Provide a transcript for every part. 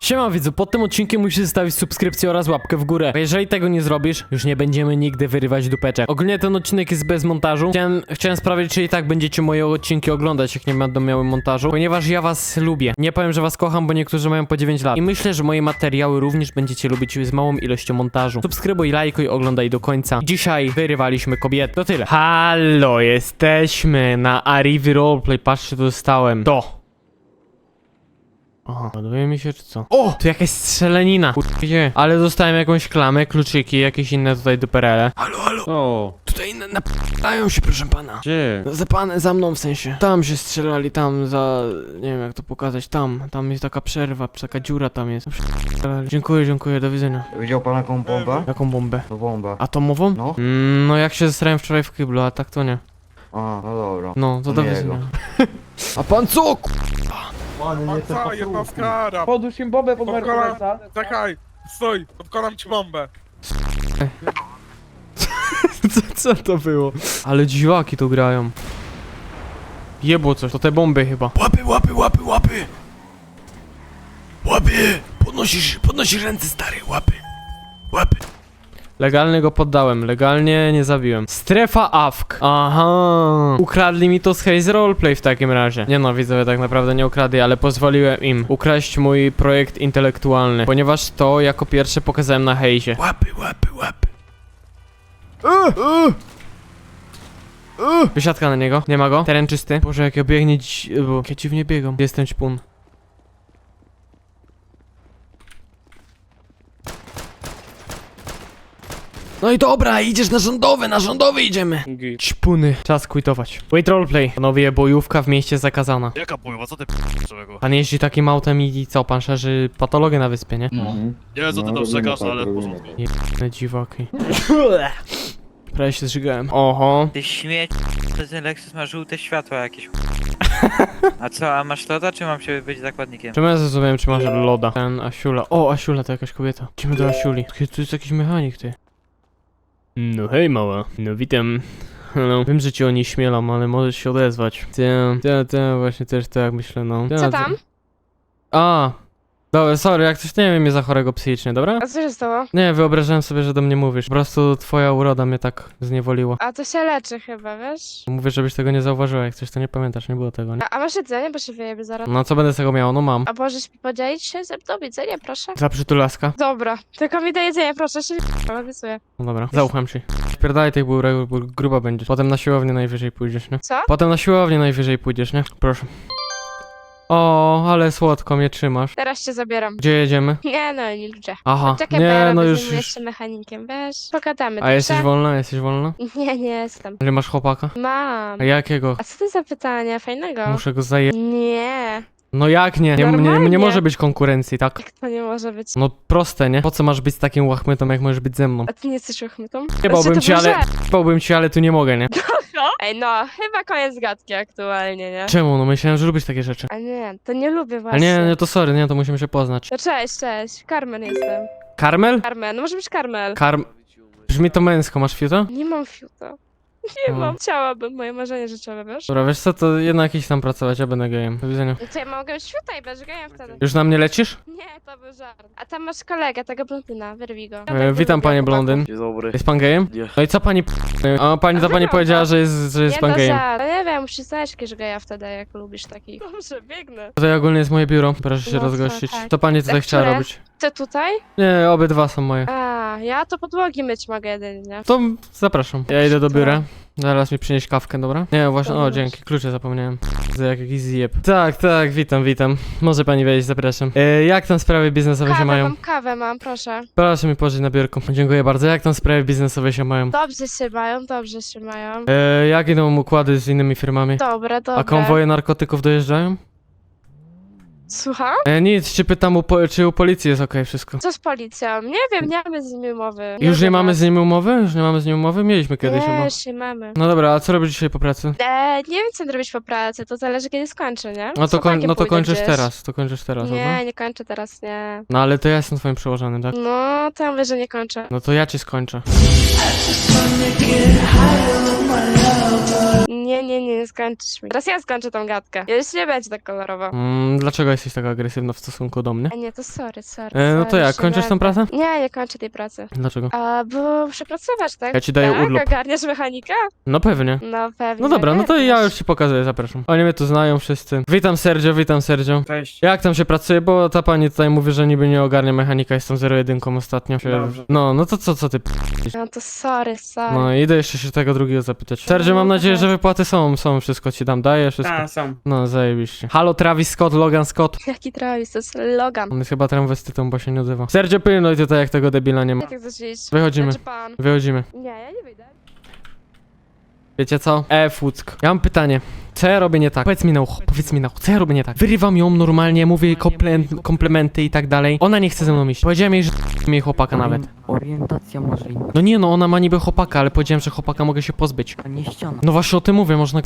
Siema widzu, pod tym odcinkiem musisz zostawić subskrypcję oraz łapkę w górę. A jeżeli tego nie zrobisz, już nie będziemy nigdy wyrywać dupeczek. Ogólnie ten odcinek jest bez montażu. Chciałem sprawdzić, czy i tak będziecie moje odcinki oglądać, jak nie będą miały montażu. Ponieważ ja was lubię. Nie powiem, że was kocham, bo niektórzy mają po 9 lat. I myślę, że moje materiały również będziecie lubić z małą ilością montażu. Subskrybuj, lajkuj, oglądaj do końca. Dzisiaj wyrywaliśmy kobiety. To tyle. Halo, jesteśmy na Arrivi Roleplay. Patrzcie, co dostałem. Aha, ładuje mi się czy co? O! Tu jakaś strzelanina. Gdzie? Ale dostałem jakąś klamę, kluczyki, jakieś inne tutaj duperele. Halo. O, Tutaj napadają się, proszę pana. gdzie? Za mną w sensie. Tam się strzelali, tam za... Nie wiem jak to pokazać, tam jest taka przerwa, taka dziura tam jest. Dziękuję, do widzenia. Widział pan jaką bombę? Jaką bombę? To bomba. Atomową? No. No jak się zesrałem wczoraj w kiblu, a tak to nie. A, no dobra. No, to do Miłego. widzenia. A pan co? Panie, Co, jednostka? Podłóż im bombę pod Podkolam, Mercedesa. czekaj, stój, podkolam ci bombę. Co to było? Ale dziwaki tu grają. Jebło coś, to te bomby chyba. Łapy! Podnosisz ręce, stary, łapy. Legalnie go poddałem, legalnie nie zabiłem. Strefa AFK. Aha. Ukradli mi to z Haze Roleplay w takim razie. Nie no, widzowie, tak naprawdę nie ukradli, ale pozwoliłem im ukraść mój projekt intelektualny. Ponieważ to jako pierwsze pokazałem na Haze. Łapy. Wysiadka na niego, nie ma go. Teren czysty. Boże, jak ja biegnie bo jak ja dziwnie biegam. Jestem ćpun. No i dobra, idziesz na rządowy idziemy. Ćpuny. Czas quitować. Wait roleplay. Panowie, bojówka w mieście zakazana. Jaka bojówka? Co ty człowieku? Pan jeździ takim autem i co, pan szerzy patologię na wyspie, nie? No. Nie wiem co ty to przegasz, ale w porządku. Jebane dziwaki. Prawie się zżygałem. Oho. Ty śmieć, ten Lexus ma żółte światła jakieś. A co, a masz loda, czy mam się być zakładnikiem? Czemu ja zrozumiałem, czy masz loda? Ten Asiula. O, Asiula to jakaś kobieta. Idziemy do Asiuli. Tu jest jakiś mechanik, ty. No hej mała. No witam. No, wiem, że ci o niej śmielam, ale możesz się odezwać. Właśnie też tak myślę, no. Co tam? A. Dobra, sorry, jak coś nie wiem, mnie za chorego psychicznie, dobra? A co się stało? Nie, wyobrażałem sobie, że do mnie mówisz. Po prostu twoja uroda mnie tak zniewoliła. A to się leczy chyba, wiesz? Mówię, żebyś tego nie zauważyła, jak coś to nie pamiętasz, nie było tego, nie? A masz jedzenie, bo się wyjebie zaraz. No co będę z tego miał? No mam. A możesz mi podzielić się ze mną jedzenie, proszę? Za przytulaska? Dobra, tylko mi daj jedzenie, proszę, się obiecuję. No dobra, zaufam ci. Spierdalaj tej burek, bo gruba będziesz. Potem na siłownię najwyżej pójdziesz, nie? Co? Potem na siłownię najwyżej pójdziesz, nie? Proszę. O, ale słodko mnie trzymasz. Teraz cię zabieram. Gdzie jedziemy? Nie no, nie ludzie. Aha, Czekaj, bo ja nie, no robię z już, nim już. jeszcze mechanikiem, wiesz? Pogadamy, A jesteś dobrze? wolna? Jesteś wolna? Nie jestem. Że masz chłopaka? Mam. A jakiego? A co to za pytanie? Fajnego. Muszę go zaje... Nie. No jak nie? Nie Normalnie. może być konkurencji, tak? Jak to nie może być? No proste, nie? Po co masz być z takim łachmytą, jak możesz być ze mną? A ty nie jesteś uchmytą? Nie bałbym cię, ale tu nie mogę, nie? Ej, no, chyba koniec gadki aktualnie, nie? Czemu? No myślałem, że lubisz takie rzeczy. A nie, to nie lubię Ale właśnie. nie, to sorry, nie, to musimy się poznać. No cześć, Carmen jestem. Karmel? Carmen, no może być Carmel. Brzmi to męsko, masz fiuta? Nie mam fiuta. Nie O. mam. Chciałabym, moje marzenie życiowe, wiesz? Dobra, wiesz co, to jednak idź tam pracować, ja będę gejem. Do widzenia. No to ja mogę być fiuta i będziesz gejem wtedy. Już na mnie lecisz? Nie, to był żart. A tam masz kolegę, tego blondyna, wyrwij go. Witam panie blondyn. Dzień dobry. Jest pan gejem? Nie. No i co pani A pani to pani powiedziała, że jest Nie, pan to gejem. żart. No nie wiem, musisz znaleźć jakiegoś geja wtedy, jak lubisz takich. Dobrze, biegnę. Tutaj ogólnie jest moje biuro, proszę się No, rozgościć. tak. Co pani tutaj A chciała które? robić? Ty tutaj? Nie, obydwa są moje. A, ja to podłogi myć mogę jedynie. To zapraszam. Ja idę do biura. Zaraz mi przynieść kawkę, dobra? Nie, właśnie, o Dobra. dzięki, klucze zapomniałem. Za jakiś zjeb. Tak, witam. Może pani wejść, zapraszam. Jak tam sprawy biznesowe się mają? Kawę mam, proszę. Proszę mi położyć na biurku. Dziękuję bardzo. Jak tam sprawy biznesowe się mają? Dobrze się mają. Jak idą układy z innymi firmami? Dobra. A konwoje narkotyków dojeżdżają? Słucham? Nic, czy pytam, czy u policji jest okej wszystko? Co z policją? Nie wiem, nie mamy z nimi umowy. Już nie wiem, mamy jak- z nimi umowy? Już nie mamy z nimi umowy? Mieliśmy kiedyś chyba. Nie, już nie mamy. No dobra, a co robisz dzisiaj po pracy? Nie wiem, co robić po pracy, to zależy kiedy skończę, nie? No Z to, chłopakiem pójdę kończysz gdzieś. teraz, dobra? Nie kończę teraz, nie. No ale to ja jestem twoim przełożonym, tak? No, to ja mówię, że nie kończę. No to ja ci skończę. Nie skończysz mi. Teraz ja skończę tą gadkę. Już nie będzie tak kolorowo. Dlaczego jesteś taka agresywna w stosunku do mnie? A nie, to sorry. No to sorry, jak, kończysz tą pracę? Nie kończę tej pracy. Dlaczego? A, bo muszę pracować, tak? Ja ci daję tak? urlop. Ogarniasz mechanika? No pewnie. No pewnie. No dobra, no to ja ogarniasz. już ci pokazuję, zapraszam. Oni mnie tu znają wszyscy. Witam Sergio. Cześć. Jak tam się pracuje, bo ta pani tutaj mówi, że niby nie ogarnia mechanika, jestem 0-1 ostatnio. Dobrze. No to co ty No to sorry. No idę jeszcze się tego drugiego zapytać. Sergio, mam nadzieję, że wypłaty są, wszystko ci dam, daję, wszystko. A, są. No, zajebiście. Halo, Travis Scott, Logan Scott. Jaki Travis, to jest Logan. On jest chyba transwestytą, bo się nie odzywa. Sergio, pilnuj tutaj, jak tego debila nie ma. Jak tak zaczęliś? Wychodzimy. Znaczy pan. Wychodzimy. Nie, ja nie wyjdę. Wiecie co? Fuck. Ja mam pytanie. Co ja robię nie tak? Powiedz mi na ucho, co ja robię nie tak? Wyrywam ją normalnie, mówię jej komplementy i tak dalej. Ona nie chce ze mną iść. Powiedziałem jej, że jej chłopaka nawet. Orientacja może inna, No nie no, ona ma niby chłopaka, ale powiedziałem, że chłopaka mogę się pozbyć. a nie ściana. No właśnie o tym mówię, można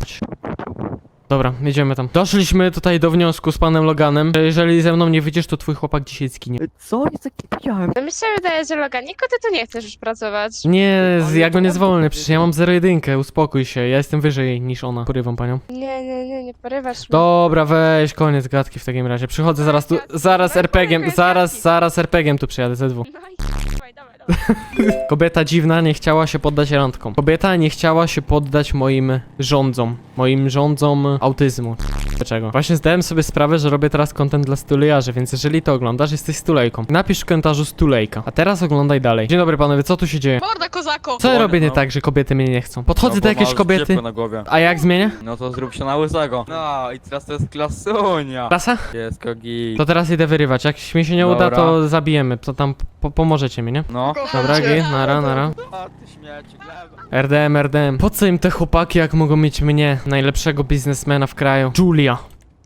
Dobra, jedziemy tam. Doszliśmy tutaj do wniosku z panem Loganem, że jeżeli ze mną nie wyjdziesz, to twój chłopak dzisiaj zginie. Co? Ja tak nie powiedziałem. No mi się wydaje, że Logan, Niko, ty tu nie chcesz już pracować. Nie, ja go nie zwolnę, przecież ja mam 0-1, uspokój się, ja jestem wyżej niż ona. Porywam panią. Nie porywasz mnie. Dobra, weź, koniec gadki w takim razie. Przychodzę zaraz tu, zaraz RPG-iem, zaraz RPG-iem tu przyjadę, ZW. No i dawaj. Kobieta dziwna nie chciała się poddać randkom. Kobieta nie chciała się poddać moim rządzom autyzmu. Dlaczego? Właśnie zdałem sobie sprawę, że robię teraz content dla stulejarzy, więc jeżeli to oglądasz, jesteś stulejką. Napisz w komentarzu stulejka. A teraz oglądaj dalej. Dzień dobry panowie, co tu się dzieje? Morda, kozako! Co ja robię nie tak, że kobiety mnie nie chcą? Podchodzę do jakiejś kobiety. Na głowie. A jak zmienię? No to zrób się na łysego. No i teraz to jest klasunia. Klasa? Jest kogi. To teraz idę wyrywać. Jak mi się nie uda, Dobra. to zabijemy. To tam pomożecie mi, nie? No. Dobra, nara. A ty śmieci, gleba. RDM. Po co im te chłopaki, jak mogą mieć mnie, najlepszego biznesmena w kraju? Julia.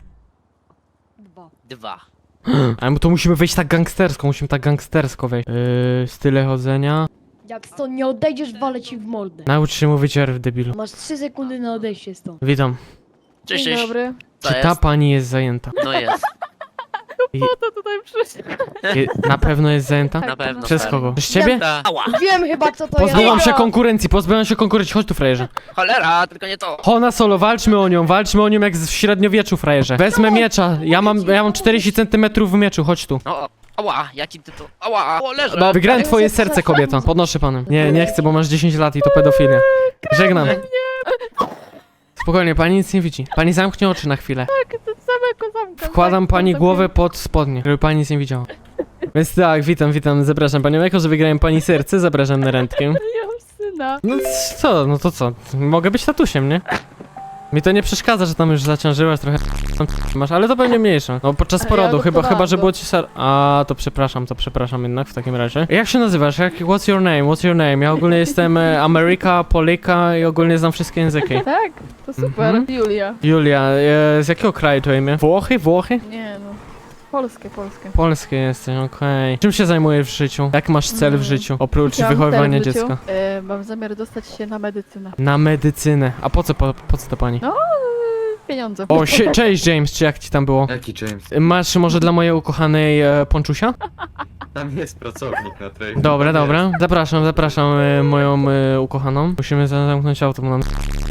Dwa. Ale to musimy wejść tak gangstersko, wejść. Style chodzenia. Jak stąd nie odejdziesz, walę ci w mordę. Naucz się mówić R, debilu. Masz 3 sekundy na odejście stąd. Witam. Cześć, Dzień cześć. dobry. To Czy ta jest? pani jest zajęta? No jest. To tutaj przyszedł. Na pewno jest zajęta? Na pewno. Przez stary. kogo? Przez ciebie? Ta. Ała! Wiem chyba co to Pozbyłam jest. się konkurencji, chodź tu, frajerze. Cholera, tylko nie to. Hona solo, walczmy o nią jak w średniowieczu, frajerze. Wezmę miecza, ja mam 40 cm w mieczu, chodź tu. No, ała, jaki ty to. Ała, o, leżę. No, wygrałem twoje serce, kobieto. Podnoszę panem. Nie chcę, bo masz 10 lat i to pedofilia. Żegnam. Spokojnie, pani nic nie widzi. Pani zamknie oczy na chwilę. To samego zamka. Wkładam pani głowę pod spodnie, żeby pani nic nie widziała. Więc tak, witam, zapraszam panią. Jako, że wygrałem pani serce, zapraszam na randkę. Ja mam syna. No to co? Mogę być tatusiem, nie? Mi to nie przeszkadza, że tam już zaciążyłaś trochę masz, ale to pewnie mniejsze. No podczas Ale porodu, ja chyba, gotowałam że go. było ci A, to przepraszam jednak w takim razie. Jak się nazywasz? What's your name? Ja ogólnie jestem Ameryka, Polika i ogólnie znam wszystkie języki. Tak? To super. Mhm. Julia. Julia, z jakiego kraju to imię? Włochy? Nie no. Polskie. Polskie jesteś, okej. Czym się zajmujesz w życiu? Jak masz cel w życiu? Oprócz Chciałam wychowywania cel w życiu. dziecka. Mam zamiar dostać się na medycynę. Na medycynę. A po co to pani? No. Pieniądze. O, cześć James, czy jak ci tam było? Jaki James? Masz może dla mojej ukochanej ponczusia? Tam jest pracownik na trade. Dobra. Zapraszam moją ukochaną. Musimy zamknąć auto, bo nam...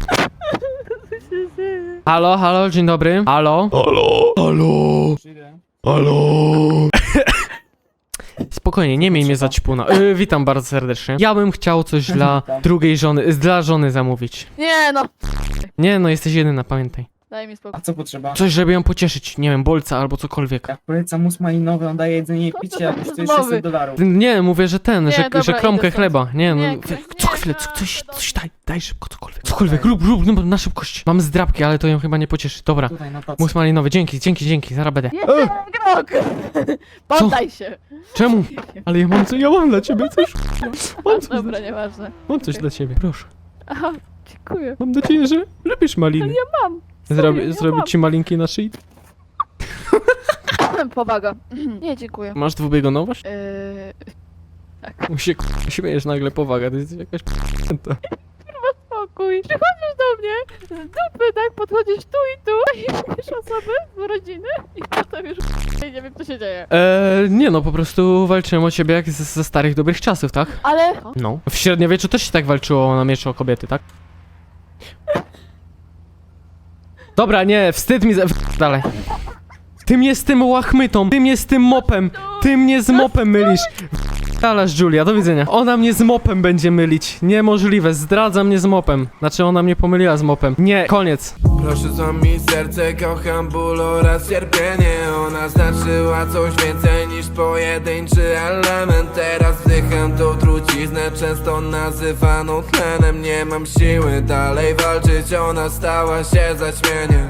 Halo, dzień dobry. Halo. Spokojnie, nie miej mnie za ćpuna. Witam bardzo serdecznie. Ja bym chciał coś dla drugiej żony, dla żony zamówić. Nie no. Nie no, jesteś jedyna, pamiętaj. Daj mi spokój. A co potrzeba? Coś, żeby ją pocieszyć, nie wiem, bolca albo cokolwiek. Jak polecam mus malinowy, on daje jedzenie i picie, a kosztuje $600. Nie, mówię, że Nie, że dobra, kromkę idę stąd. chleba. Nie, no, Nie, co chwilę, coś daj szybko, cokolwiek. Cokolwiek, rób, no, na szybkość. Mam zdrabki, ale to ją chyba nie pocieszy. Dobra, Tutaj na tacy. mus malinowy, dzięki, zaraz będę. Jeszcze krok! Poddaj się. Czemu? Ale ja mam dla ciebie coś. Dobra, nieważne. Mam coś dla ciebie, proszę. Aha, dziękuję. Mam nadzieję, że lubisz maliny. Ja mam. Serio, ja mam. Zrobić ci malinki na szyi. Powaga. Nie, dziękuję. Masz dwubiegunowość? Tak. Mu się śmiejesz nagle, powaga, to jest jakaś p***ta. Spokój. Przychodzisz do mnie z dupy, tak? Podchodzisz tu i tu i wiesz osoby z rodziny i potem już nie wiem co się dzieje. Nie no, po prostu walczyłem o ciebie jak ze starych dobrych czasów, tak? Ale... No. W średniowieczu też się tak walczyło na mieczu o kobiety, tak? Dobra, nie, wstyd mi dalej. Ty mnie z tym łachmytą, ty mnie z tym mopem, ty mnie z mopem mylisz. Dalasz, Julia, do widzenia. Ona mnie z mopem będzie mylić. Niemożliwe, zdradza mnie z mopem. Znaczy ona mnie pomyliła z mopem. Nie, koniec. Proszę za mi serce, kocham ból oraz cierpienie. Ona znaczyła coś więcej niż pojedynczy element. Teraz wdycham tą truciznę, często nazywaną tlenem. Nie mam siły dalej walczyć, ona stała się zaćmieniem.